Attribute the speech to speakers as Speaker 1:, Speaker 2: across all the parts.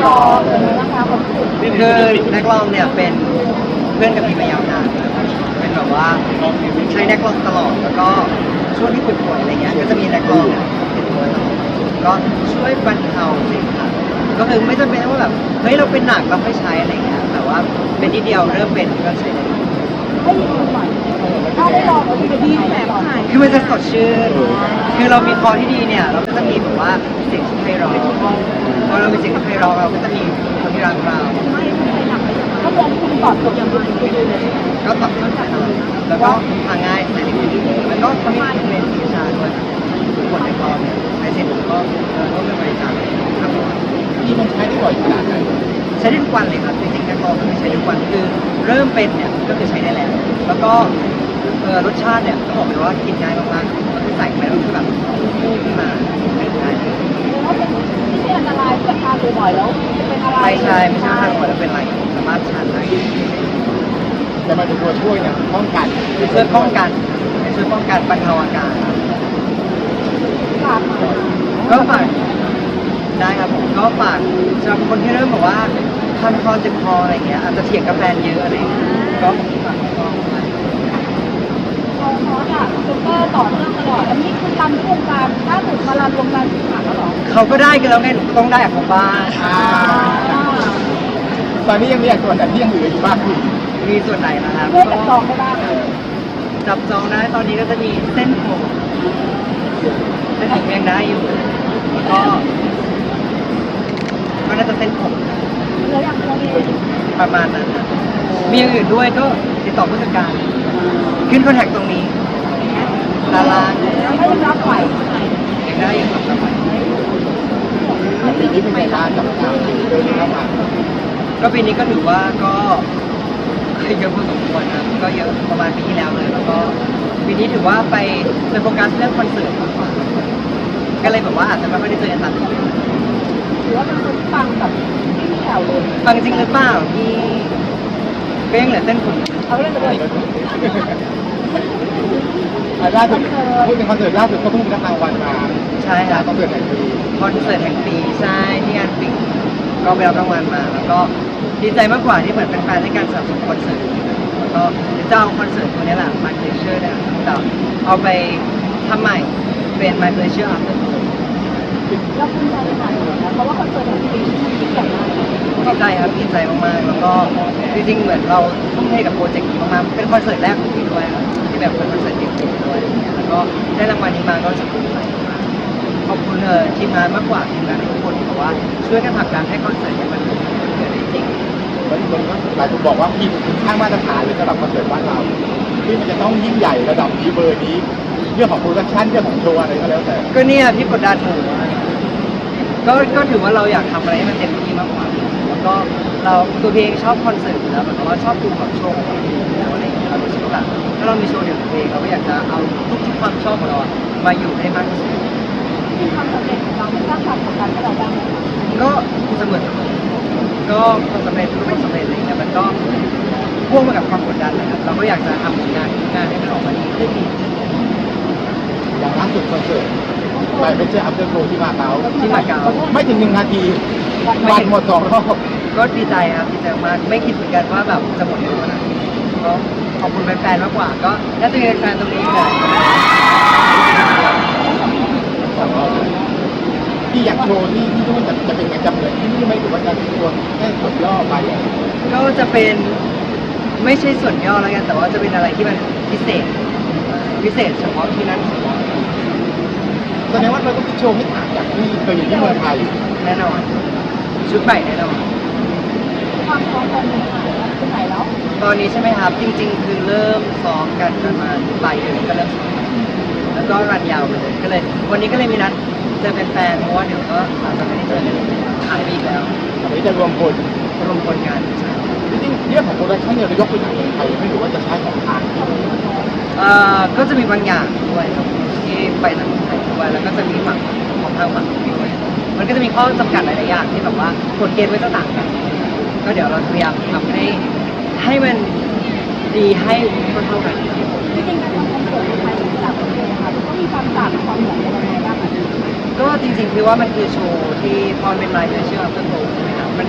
Speaker 1: รอเลยนะคะคนที่
Speaker 2: คือนักร้องเนี่ยเป็นเพื่อนกับพี่มายาวนานเป็นแบบว่าใช้นักร้องตลอดแล้วก็ช่วงที่ป่วยๆอะไรเงี้ยก็จะมีนักร้องเนี่ยเป็นตัวตลอดก็ช่วยบรรเทาสิ่งต่างก็คือไม่จำเป็นว่าแบบเฮ้ยเราเป็นหนักเราไม่ใช้อะไรเงี้ยแต่ว่าเป็นนิดเดียวเริ่มเป็นก็ใช้ได้
Speaker 1: ให้ดีหน่อยถ้าได้ลองก็จะดีแบบหาย
Speaker 2: คือมันจะสดชื่นคือเรามีคอที่ดีเนี่ยเราก็จะมีแบบว่าเสียงที่ไพเราะพอเรามีเสียงที่ไพเราะเราก็จะมีคนที่รักเรา
Speaker 1: ก็มองคุณตอบจบอย่างไรไปเลย
Speaker 2: ก็ตอบโจทย์แน่นอนแล้วก็ทางง่ายใส่ในมือถือมันก็ทำให้เป็นวิชาด้วยทุกคนในกองเนี่ยในเสร็จผมก็ร่วมเป็นบริจาคครับผม
Speaker 3: ที่มันใช้ได้บ่อยขนาดไหน
Speaker 2: ใช้ได้ทุกวันเลยครับจริงๆนักกองก็คือใช้ได้ทุกวันคือเริ่มเป็นเนี่ยก็คือใช้ได้แล้วแล้วก็รสชาติเนี่ยต้องบอกเลยว่ากินง่ายมากๆก็คือใส่ไปแล้วคือแบบพุ่งขึ้นมาได้ง่ายเลย
Speaker 1: เพราะเป็นที่ที่อันตรายจะทานบ่อยๆแล้วจะเป็นอะไร
Speaker 2: ไม่ใช่ทางหัวจะเป็นไรสามารถทานได้
Speaker 3: แต่มันเป็นตัวช่วยเนี่ยป้องกัน
Speaker 2: ช่วยป้องกันช่วยป้องกันบรรเทาอาการ
Speaker 1: ฝาก
Speaker 2: ก็ฝากได้ครับผมก็ฝากสำหรับคนที่เริ่มแบบว่าคันคอเจ็บคออะไรเงี้ยอาจจะเถียงกับแฟนเยอะอะไรเงี้ยก็ฝากก็
Speaker 1: เราคอร์สอะเซ็นเตอร์ต่อเนื่องตลอดอันนี้คือรันที่วงการล่าสุดมารันวงการสื่อสารแล้วหรอ
Speaker 2: เขาก็ได้กันแล้วไงหนูก็ต้องได้กับเขาบ้าง
Speaker 3: ตอนนี้ยังมีส่วนแต่ที่ยังเหลืออยู่บ้างคือ
Speaker 2: มีส่วนไหนนะครับ
Speaker 1: เพื่อจับจองได้บ้าง
Speaker 2: จับจองได้ตอนนี้ก็จะมีเส้นผมยังได้อยู่แล้วก็น่าจะเส้นผม
Speaker 1: เหลืออย่างเดียวเอง
Speaker 2: ประมาณนั้นนะมีอย่างอื่นด้วยก็ติดต่อผู้จัดการขึ้นคอนแทคตรงนี้ดารา
Speaker 1: แล้วก็ยังรับไหว
Speaker 2: ยังได้อยู่ครับ
Speaker 3: ปีนี้เป็นไงบ้างกับการเดินเข้ามา
Speaker 2: ก็ปีนี้ก็ถือว่าก็เยอะพอสมควรนะก็เยอะประมาณปีที่แล้วเลยแล้วก็ปีนี้ถือว่าไปโฟกัสเรื่องคอนเสิร์ตมากกว่าก็เลยแบบว่าอาจจะไม่ค่อยได้เจอกันตามที่เป็น
Speaker 1: หรือว่าเป็นคนฟังแบบไม่มีแถวเลย
Speaker 2: ฟังจริงหรือเปล่าพี่ก็ยังเหลือเส้นผม
Speaker 1: เขาเล่นเลย
Speaker 3: ล่าสุดพูดถึงคอนเสิร์ตล่าสุดก็เพิ่งรับรางวัลมา
Speaker 2: ใช่ครับ
Speaker 3: คอนเสิร์ตแห่งปี
Speaker 2: คอนเสิร์ตแห่งปีใช่ที่งานปิงก็ไปรับรางวัลมา แล้วก็ดีใจมากกว่าที่เหมือนเป็นแฟนในการสนับสนุนคอนเสิร์ตแล้วก็เจ้าคอนเสิร์ตตัวนี้แหละ My Pleasure เนี่ยแต่เอาไปทำใหม่เป็น My Pleasure After
Speaker 1: เราภูมิใจในฐานะเพราะว่าคอนเสิร์ตของปีนี้ยิ่งใหญ่มาก
Speaker 2: ดีใจครับดีใจมากๆแล้วก็จริงๆเหมือนเราทุ่มเทกับโปรเจกต์นี้มากๆเป็นคอนเสิร์ตแรกของพี่ด้วยครับที่แบบเป็นคอนเสิร์ตเดี่ยวๆด้วยอะไรเงี้ยแล้วก็ได้รางวัลนี้มาก็รู้สึกภูมิใจมากขอบคุณทีมงานมากกว่าทีมงานทุกคนที่บอกว่าช่วยกันผลักดันให้คอนเสิร์ตนี้มันเกิดได้จริง
Speaker 3: แล้วคนก็หลายคนบอกว่าพี่ข้างมาตรฐานเลยสำหรับคอนเสิร์ตบ้านเราที่มันจะต้องยิ่งใหญ่ระดับนี้เบอร์นี้เรื่องของโปรดักชั่นเรื่องของโชว์อะไรก็แล้วแต่
Speaker 2: ก็เนี่ยพี่กดดันหนูก็ถือว่าเราอยากทำอะไรให้มันเต็มที่มากกว่าแล้วก็เราตัวเพลงชอบคอนเสิร์ตอยู่แล้วเหมือนกับว่าชอบดูแบบโชว์ของตัวเองอยู่แล้วอะไรอย่างเงี้ยเรารู้สึกว่าแบบถ้าเรามีโชว์เดี่ยวของตัวเองเราก็อยากจะเอาทุกความชอบของเราอะมาอยู่ให้มากที่สุด
Speaker 1: ที่ความสำเร็จของเราไม่สร้างความกดดันให้เราบ้างไหมคะ
Speaker 2: ก็เสมอก็ความสำเร็จทุกความสำเร็จอะไรเงี้ยมันก็พ่วงมากับความกดดันนะครับเราก็อยากจะทำผลงานทุกงานให้มันออกมาดีขึ้นดีขึ้น
Speaker 3: อย่างล่าสุดคอนเสิร์ตไปเป็นเจ้าอัพเดทโชว์ที่มาเก๊า
Speaker 2: ที่มาเก๊า
Speaker 3: ไม่ถึง1 นาทีวันหมด2 รอบ
Speaker 2: ก็ดีใจครับดีใจมากไม่คิดเหมือนกันว่าแบบจะหมดเร็วขนาดนี้ก็ขอบคุณแฟนๆมากกว่าก็น่าจะมีแฟนๆตรงนี้เลย
Speaker 3: ที่อยากโชว์ที่นู่นจะเป็นไงจำเหมือนที่นี่ไหมหรือว่าจะเป็นตัวแค่ส่วนย่อไป
Speaker 2: ก็จะเป็นไม่ใช่ส่วนย่อแล้วกันแต่ว่าจะเป็นอะไรที่มันพิเศษเฉพาะที่นั่นเฉพาะ
Speaker 3: แสดงว่าเราต้องโชว์ให้ต่างจากที่เคยอยู่ที่เมืองไทย
Speaker 2: แน่นอนชุดใหม่แน่นอน
Speaker 1: ความพร้อมตอนนี้ที่ไหนแล้ว
Speaker 2: ตอนนี้ใช่ไหมครับจริง ๆ คือเริ่มซ้อมกันประมาณปลายเดือนก็เริ่มซ้อมแล้วก็รันยาวไปเลยก็เลย วันนี้ก็เลยมีนัดเจอแฟนๆเพราะว่าเดี๋ยวก็อาจจะไม่ได้เจอกันหายไปอีกแล้ว
Speaker 3: อันนี้จะรวมพล
Speaker 2: รวมคนงาน
Speaker 3: จริงๆเรื่องของโปรดักชั่นเนี่ยเรายกไปจากเมืองไทยไม่รู้ว่าจะใช้ของทางที่
Speaker 2: ก็จะมีบางอย่างด้วยครับที่ไปทางไทยด้วยแล้วก็จะมีฝั่งของทางฝั่งด้วยมันก็จะมีข้อจำกัดหลายๆอย่างที่แบบว่ากฎเกณฑ์ไว้จะต่างกันก็เดี๋ยวเราพยายามทำให้มันดีให้เท่าๆกัน
Speaker 1: จริงๆการทำคอนเสิร์ตในไทยกับต่างประเทศนะคะมันก็มีความต่างความเหมือนกันยังไงบ้างคะ
Speaker 2: ก็จริงๆคือว่ามันคือโชว์ที่พอเป็นไลฟ์เชื่อเพื่อโตใช่ไหมครับ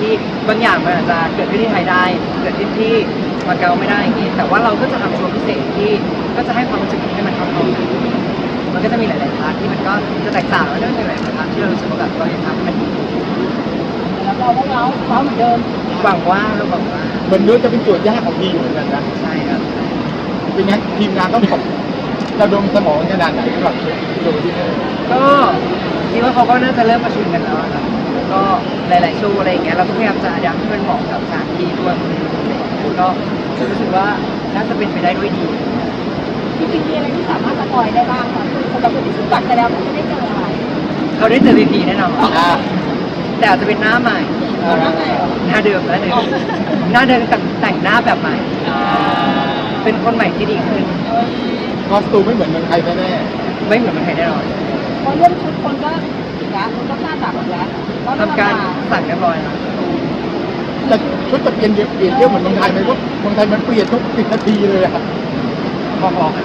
Speaker 2: ที่บางอย่างมันอาจจะเกิดขึ้นที่ไทยได้เกิดขึ้นที่มาเก๊าไม่ได้อย่างนี้แต่ว่าเราก็จะทำโชว์พิเศษที่ก็จะให้ความรู้สึกให้มันเข้ากันมันก็จะมีหลายๆพาร์ทที่มันก็จะแตกต่างแล้วก็มีหลายๆพาร์ทที่เรารู้สึกว่าแบบเราอยากทำให้มันดี
Speaker 1: แล้วเราก็เมาเหมือนเดิม
Speaker 2: หวังว่าเราหวังว่า
Speaker 3: เหมือนนู้นจะเป็นโจทย์ยากของทีมเหมือนกันนะ
Speaker 2: ใช่ครับ
Speaker 3: เป็นงั้นทีมงานต้องตกระดมสมองขนาดไหนสำหรับโจทย์ที่นี่
Speaker 2: ก็คิดว่าเขาก็น่าจะเริ่มประชุมกันแล้วอะครับแล้วก็หลายๆโชว์อะไรอย่างเงี้ยเราก็พยายามจะยัดให้มันเหมาะกับสถานที่ด้วยก็รู้สึกว่าน่าจะเป็นไปได้ด้วยดี
Speaker 1: จริงๆมีอะไรที่สามารถสปอยได้บ้างคะคือสำหรับคนที่ซื้อบัตรไปแล้วเขาจะได้เจออะไร
Speaker 2: เขาได้เจอพีแน่นอน
Speaker 3: อ่า
Speaker 2: แต่อาจจะเป็นหน้าใหม่
Speaker 1: เอาหน้าไหนเหรอ
Speaker 2: หน้าเดิมหน้าเดิมแต่งหน้าแบบใหม่ เป็นคนใหม่ที่ดีขึ้น
Speaker 3: คอสตูมไม่เหมือนเมืองไทยแน่
Speaker 2: ไม่เหมือนคนไทยแน่นอน
Speaker 1: เพราะเรื่องชุดคนก็อีกแล้วคนก็คาดหวังอีกแล้ว
Speaker 2: ทำการสั่งเรียบร้อยแล้ว
Speaker 3: ๆแต่ชุดจะเปลี่ยนเยอะเหมือนเมืองไทยไหมเพราะเมืองไทยมันเปลี่ยนทุก10 นาทีเลยอะ
Speaker 2: พอๆกัน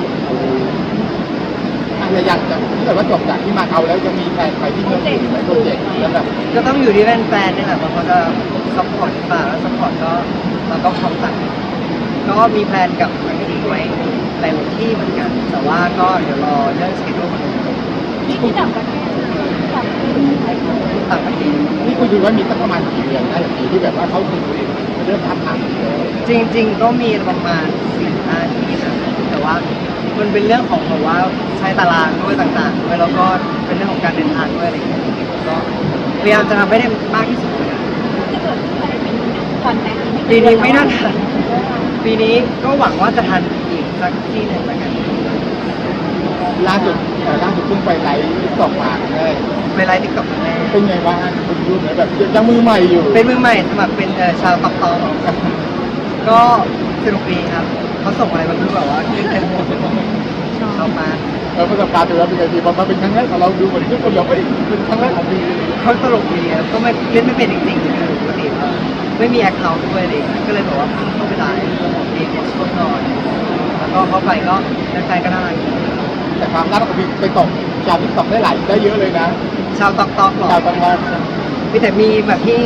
Speaker 3: อะไรอย่างจะถ้าเกิดว่าจบจากที่มาเก๊าแล้วยังมีแผนไปที่เมืองอื่นไหมโปรเจกต์แล้วแบบ
Speaker 2: ก็ต้องอยู่ที่แฟนๆนี่แหละว่าเขาจะซัพพอร์ตหรือเปล่าแล้วซัพพอร์ตก็เราก็พร้อมจัดก็มีแพลนกับทางทีไว้หลายที่เหมือนกัน แต่ว่าก็เดี๋ยวรอเรื่องสเกจดูของ
Speaker 1: นี่ที่ต่างประเทศต่างประเทศไทย
Speaker 2: ต่างประเทศ
Speaker 3: นี่คุณดูว่ามีสักประมาณกี่เดือนได้ปีที่แบบว่าเขาถึงเริ่มทำทาง
Speaker 2: จริง ๆ ก็มีประมาณ4-5ที่นะแต่ว่ามันเป็นเรื่องของแบบว่าใช้ตารางด้วยต่างๆด้วยแล้วก็เป็นเรื่องของการเดินทางด้วยอะไรอย่างเงี้ยก็พยายามจะทำให้ได้มากที่สุดเลยนะ
Speaker 1: จะเกิดขึ้นภายในปีนี้ก่อนแต่ง
Speaker 2: ปีนี้ไม่น่าทันปีนี้ก็หวังว่าจะทันอีกสักที่หนึ่งแล้วกัน
Speaker 3: ล่าสุดเพิ่งไปไลฟ์ตอกมาได้
Speaker 2: เวลาติ๊กต็อกครั้งแรก
Speaker 3: เป็นไงบ้างคุณดูเหมือนแบบยังมือใหม่อยู่
Speaker 2: เป็นมือใหม่สมัครเป็นชาวตอกตอกก็สนุกดีครับเขาส่งอะไรมาไม่รู้แบบว่าขึ้นเต็มหมดชอบมาก
Speaker 3: ประสบการณ์ถือว่าเป็นไงดีพอมาเป็นครั้งแรกของเราดูเหมือนทุกคนแบบเป็นครั้งแรกของปี
Speaker 2: เขาตลกดีครับก็ไม่เล่นไม่เป็นจริงๆคือปกติไม่มีแอคเคาท์ด้วยอะไรอย่างเลยก็เลยบอกว่าเข้าไปไลฟ์เองช่วงนอนแล้วก็เข้าไปก็แฟนๆก็น่ารักดี
Speaker 3: แต่ความน่ารักของพี่ไปตกชาวทิกตอกได้เยอะเลยนะ
Speaker 2: ชาวตอกตอกหรอ
Speaker 3: ชาวตอกมา
Speaker 2: มีแต่มีแบบที่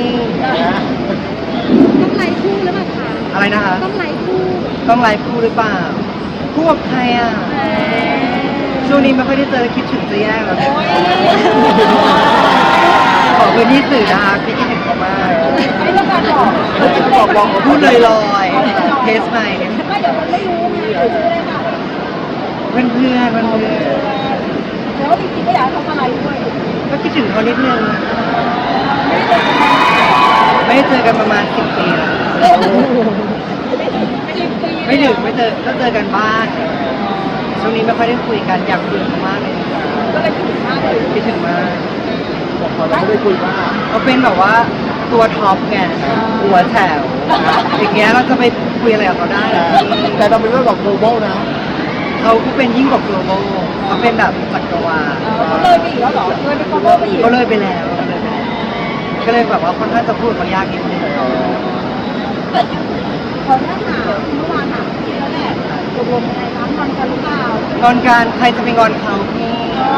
Speaker 1: ต้องไลฟ์คู่หรือเปล่าคะ
Speaker 2: อะไรนะคะ
Speaker 1: ต้องไลฟ์คู่
Speaker 2: ต้องไลฟ์คู่หรือเปล่าคู่กับใครอ่ะช่วงนี้ไม่ค่อยได้เจอคิดถึงจะแย่แล้วขอพื้นที่สื่อนะคะพี่คิดถึงเขามาก
Speaker 1: ไม่ต้องการบอก
Speaker 2: พูดลอยๆเทสใหม่
Speaker 1: ไม่เดี๋ยวมันไม่รู้ไงชื่ออะไรค่ะ
Speaker 2: เพื่อนๆ
Speaker 1: แล้วจริงๆก็อยากให้เขามาไลฟ์ด้วย
Speaker 2: ก็คิดถึงเขานิดนึงไม่ได้เจอกันประมาณ10 ปีแล้วไม่ถึงไม่เจอก็เจอกันบ้างช่วงนี้ไม่ค่อยได้คุยกันอยากคุยกันมากเลย
Speaker 1: ก็เลยคิดถึงมากเลย
Speaker 2: คิดถึงมาก
Speaker 3: พอเราไม่ได้คุยว่า
Speaker 2: เขาเป็นแบบว่าตัวท็อปไงหัวแถวอย่างเงี้ยเราจะไปคุยอะไรกับเขาได้เหรอ
Speaker 3: แต่เราเป็นเรื่องของ global นะ
Speaker 2: เขาก็เป็นยิ่งกว่า global เขาเป็นแบบจักรวาล
Speaker 1: เขาเลยไปอีกแล้วเหรอเลยไป cover ไปอีก
Speaker 2: ก็เลยไปแล้ว ก็เลยแบบว่าค่อนข้างจะพูดเขายากนิดนึง
Speaker 1: ขอถ้าถามเมื่อวานถามพี่แล้วแหละตกลงอะไรร้านนอนกันหรือเปล่าง
Speaker 2: อนการใครจะไปงอนเขาพี่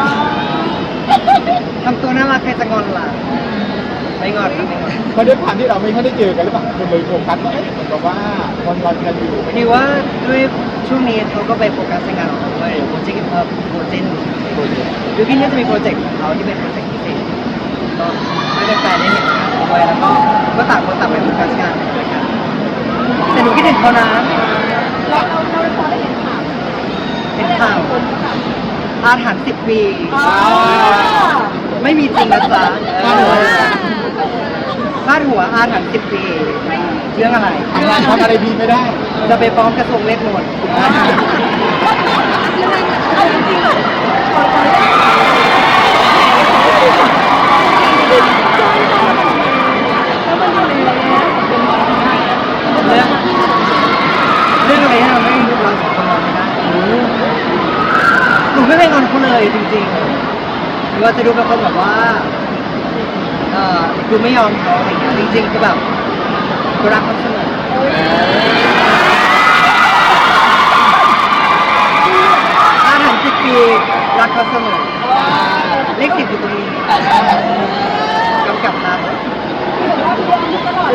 Speaker 2: ทำตัวน่ารักใครจะงอนล่ะไม่งอนครับไม่งอน
Speaker 3: เพราะด้วยความที่เราไม่ค่อยได้เจอกันหรือเปล่าคนเลยโฟกัสว่าเหมือนกับว่าคนรอกันอยู่
Speaker 2: ดีว่าด้วยช่วงนี้เขาก็ไปโฟกัสในงานของเขาด้วยโปรเจกต์โปรเจกต์ยูกินก็จะมีโปรเจกต์ของเขาที่เป็นโปรเจกต์พิเศษก็ให้แฟนๆได้เห็นงานด้วยแล้วก็ต่างคนต่างไปโฟกัสงานด้วยกันแต่หนูคิดถึงเขานะ
Speaker 1: เราพอได้เห็นข่าว
Speaker 2: เป็นข่าว
Speaker 1: คนก็แบบ
Speaker 2: อาถรรพ์10 ปี
Speaker 1: อ๋อ
Speaker 2: ไม่มีจริงนะจ๊ะพาดหัวอาถรรพ์10 ปีเรื่องอะไร
Speaker 3: ทำอะไรดีไม่ได้
Speaker 2: จะไปฟ้องกระทรวงเวทมนต์
Speaker 1: เอาจริงๆอะขออนุญาตแล้วมันอยู่ในเป็นหมอทำไม
Speaker 2: เรื่องอะไรที่เราไม่รู้เราสองคนมองไม่ได้หนูไม่เคยงอนเขาเลยจริงๆหรือว่าจะดูเป็นคนแบบว่าดูไม่ยอมเขาอะไรอย่างเงี้ยจริงๆคือแบบกูรักเขาเสมออาถรรพ์10 ปีรักเขาเสมอเลข 10อยู่ตรงนี้กำกับนะ
Speaker 1: คือแบบว่าพี่อายุตลอด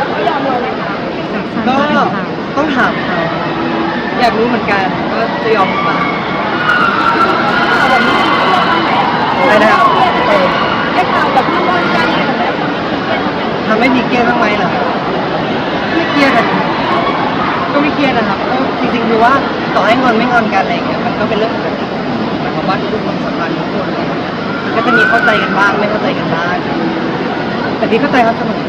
Speaker 2: อยากรู้เหมือนกันว่าจะยอมหรือเปล่า
Speaker 1: แบบนี้ไม่เครียดบ้างไหม
Speaker 2: อะไรนะครับ
Speaker 1: ได้ข่าวแบบที่ว่าการอะไรแบบนี้ทำให้เครียดบ้างไหม
Speaker 2: ทำให้มีเครียดบ้างไหมเหรอไม่เครียดนะก็ไม่เครียดนะครับก็จริงๆคือว่าต่อให้งอนไม่งอนกันอะไรอย่างเงี้ยมันก็เป็นเรื่องปกติหมายความว่าทุกคนสัมพันธ์ทุกคนมันก็จะมีเข้าใจกันบ้างไม่เข้าใจกันบ้างแต่พี่เข้าใจเขาเสมอ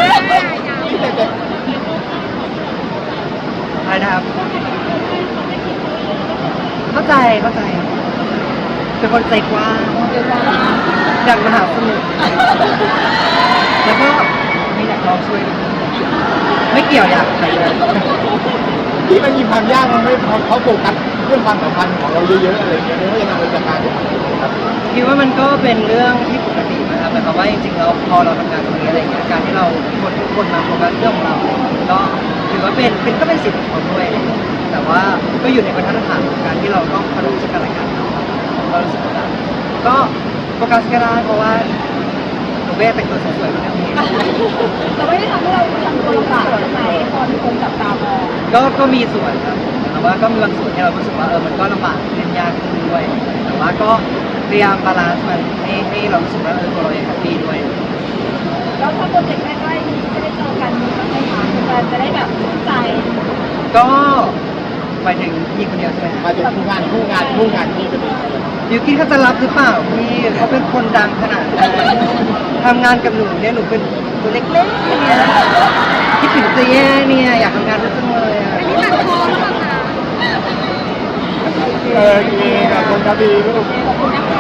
Speaker 2: อะไรนะครับเข้าใจเป็นคนใจกว้างอยากมาหาสมุทรแล้วก็ไม่อยากลองช่วยด้วยไม่เกี่ยวอยากใครเลย
Speaker 3: ที่มันมีความยากมันไม่พอเขาโฟกัสเรื่องความสัมพันธ์ของเราเยอะๆอะไรอย่างเงี้ยไม่ว่าจะทำอะไรจากการครับ
Speaker 2: คิดว่ามันก็เป็นเรื่องที่ปกตินะครับหมายความว่าจริงๆเราพอเราทำงานตรงนี้อะไรเงี้ยการที่เราคนทุกคนมาโฟกัสเรื่องของเราก็ถือว่าเป็นก็เป็นสิทธิ์ของเขาด้วยแต่ว่าก็อยู่ในบรรทัดฐานของการที่เราต้องเคารพซึ่งกันและกันเรารู้สึกว่าก็โฟกัสก็ได้เพราะว่าหนูเบ้แต่งตัวสวยๆเป็นเรื่องนี้
Speaker 1: แต่ไม่ได้ทำให้เราทำตัวลำบากใช่ไหมตอนคนจับตามอง
Speaker 2: ก็มีส่วนครับแต่ว่าก็มีบางส่วนที่เรารู้สึกว่ามันก็ลำบากเล่นยากขึ้นด้วยแต่ว่าก็พยายามบาลานซ์มันให้เรารู้สึกว่าตัวเราเองแฮปปี้ด้วย
Speaker 1: แล้วถ้าโปรเจกต์ใกล้ๆนี้จะได้เจอกันมีบ้างไหมคะการจะได้แบบรู้ใจ
Speaker 2: ก็ไปถึงพี่คนเดียวใช่ไหม
Speaker 3: มาถึงคู่งานที่เป็น
Speaker 2: ยูกินเขาจะรับหรือเปล่าพี่เขาเป็นคนดังขนาดนั้นทำงานกับหนูเนี่ยหนูเป็นตัวเล็กๆเนี่ยคิดถึงจะแย่เนี่ยอยากทำงานด้วยจังเลยอะ
Speaker 1: อันนี้ตัดคอหรือเปล่าคะ
Speaker 3: โอเคขอบคุณครับพี่ลูก
Speaker 1: ขอบคุณนะคะ